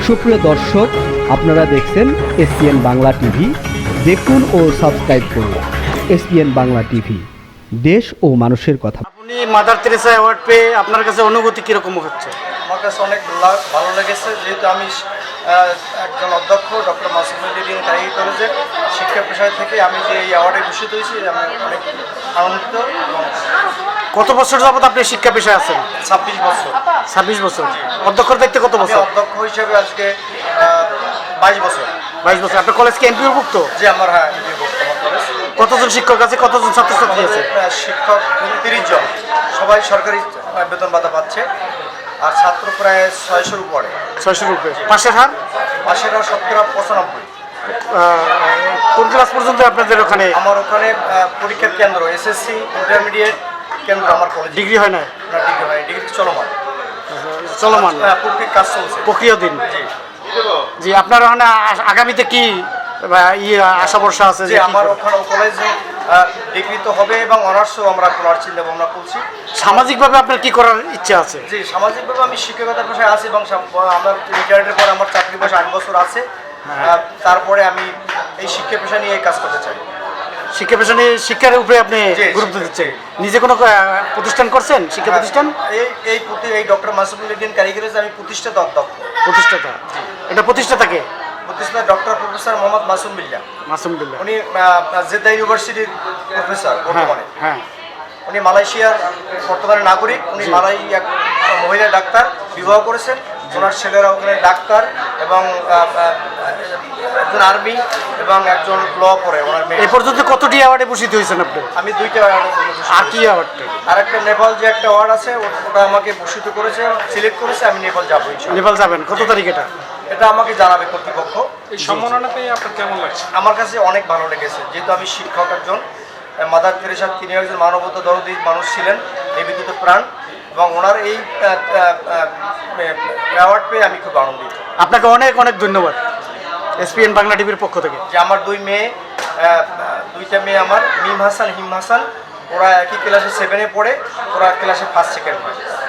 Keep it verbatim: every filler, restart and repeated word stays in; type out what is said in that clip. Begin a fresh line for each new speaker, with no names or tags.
সুপ্রিয় দর্শক, আপনারা দেখছেন এসপিএন বাংলা টিভি। দেখুন ও সাবস্ক্রাইব করুন এসপিএন বাংলা টিভি, দেশ ও মানুষের কথা।
আপনি মাদার তেরেসা অ্যাওয়ার্ড পেয়ে আপনার কাছে অনুভূতি কীরকম হচ্ছে?
আমার কাছে অনেক ভালো লেগেছে, যেহেতু আমি একজন অধ্যক্ষ ডক্টর মাসুমুল লিডিং কারিগরি কলেজের শিক্ষা পেশায় থেকে আমি যে এই অ্যাওয়ার্ডে ভূষিত হয়েছি, আমি অনেক আনন্দিত। এবং
কত বছর যাবত আপনি শিক্ষা পেশায় আছেন?
ছাব্বিশ বছর।
ছাব্বিশ বছর। অধ্যক্ষর দায়িত্বে কত বছর?
অধ্যক্ষ হিসেবে আজকে বাইশ বছর।
বাইশ বছর। আপনার কলেজ কি এমপিওভুক্ত?
যে আমার হ্যাঁ এমপিওভুক্ত আমার কলেজ।
কতজন শিক্ষক আছে, কতজন ছাত্রছাত্রী আছে?
শিক্ষক তিরিশ জন, সবাই সরকারি বেতন ভাতা পাচ্ছে, আর ছাত্র প্রায় ছয়শোর উপরে।
ছয়শোর উপরে। পাশের হার?
পাশের হার শতকরা পঁচানব্বই।
কোন ক্লাস পর্যন্ত আপনাদের ওখানে?
আমার ওখানে পরীক্ষার কেন্দ্র এসএসসি ইন্টারমিডিয়েট কেন্দ্র আমার কলেজ।
ডিগ্রি হয় না?
না, ডিগ্রি হয়, ডিগ্রি চলমান।
চলমান
প্রক্রিয়া কাজ চলছে।
প্রক্রিয়াধীন।
জি
জি। আপনার ওখানে আগামীতে কি ইয়ে আশা ভরসা আছে?
যে আমার ওখানে কলেজে ডিগ্রি তো হবে এবং অনার্সও আমরা করার চিন্তা ভাবনা করছি।
সামাজিকভাবে আপনার কি করার ইচ্ছা আছে?
জি, সামাজিকভাবে আমি শিক্ষকতার পেশায় আছি এবং আমার রিটায়ার্ডের পর আমার চাকরি বয়স আট বছর আছে। তারপরে আমি এই শিক্ষা পেশা নিয়ে কাজ করতে চাই।
শিক্ষা পেশা নিয়ে শিক্ষার উপরে আপনি গুরুত্ব দিচ্ছেন? নিজে কোনো প্রতিষ্ঠান করছেন, শিক্ষা প্রতিষ্ঠান?
এই এই এই ডক্টর মাসুমুল লিডিং কারিগরি আমি প্রতিষ্ঠাতা অধ্যক্ষ।
প্রতিষ্ঠাতা? এটা প্রতিষ্ঠাতাকে?
প্রতিষ্ঠাতা ডক্টর প্রফেসর মোহাম্মদ মাসুম বিল্লাহ।
মাসুম বিল্লাহ
উনি জেদ্দা ইউনিভার্সিটির প্রফেসর বর্তমানে।
হ্যাঁ।
উনি মালয়েশিয়ার বর্তমানে নাগরিক। উনি মালয় এক মহিলা ডাক্তার বিবাহ করেছেন। ওনার ছেলেরা ওখানে ডাক্তার এবং একজন আর্মি এবং একজন ল পড়ে। ওনার মেয়ে।
এই পর্যন্ত কতটি অ্যাওয়ার্ডে ভূষিত হয়েছেন আপনি?
আমি দুইটা অ্যাওয়ার্ডে।
আর কি অ্যাওয়ার্ডটা? আর
একটা নেপাল যে একটা অ্যাওয়ার্ড আছে, ওটা আমাকে ভূষিত করেছে, সিলেক্ট করেছে। আমি নেপাল যাবো।
নেপাল যাবেন? কত তারিখ এটা?
এটা আমাকে জানাবে কর্তৃপক্ষ।
এই সম্মাননা পেয়ে আপনার কেমন লাগছে?
আমার কাছে অনেক ভালো লেগেছে, যেহেতু আমি শিক্ষক একজন। মাদার তেরেসা তিনি একজন মানবতা দরদি মানুষ ছিলেন, নিবেদিত প্রাণ, এবং ওনার এই অ্যাওয়ার্ড পেয়ে আমি খুব আনন্দিত।
আপনাকে অনেক অনেক ধন্যবাদ এসপিএন বাংলা টিভির পক্ষ থেকে।
যে আমার দুই মেয়ে, দুইটা মেয়ে আমার, মিম হাসান, হিম হাসান, ওরা একই ক্লাসে সেভেনে পড়ে। ওরা ক্লাসে ফার্স্ট সেকেন্ড হয়।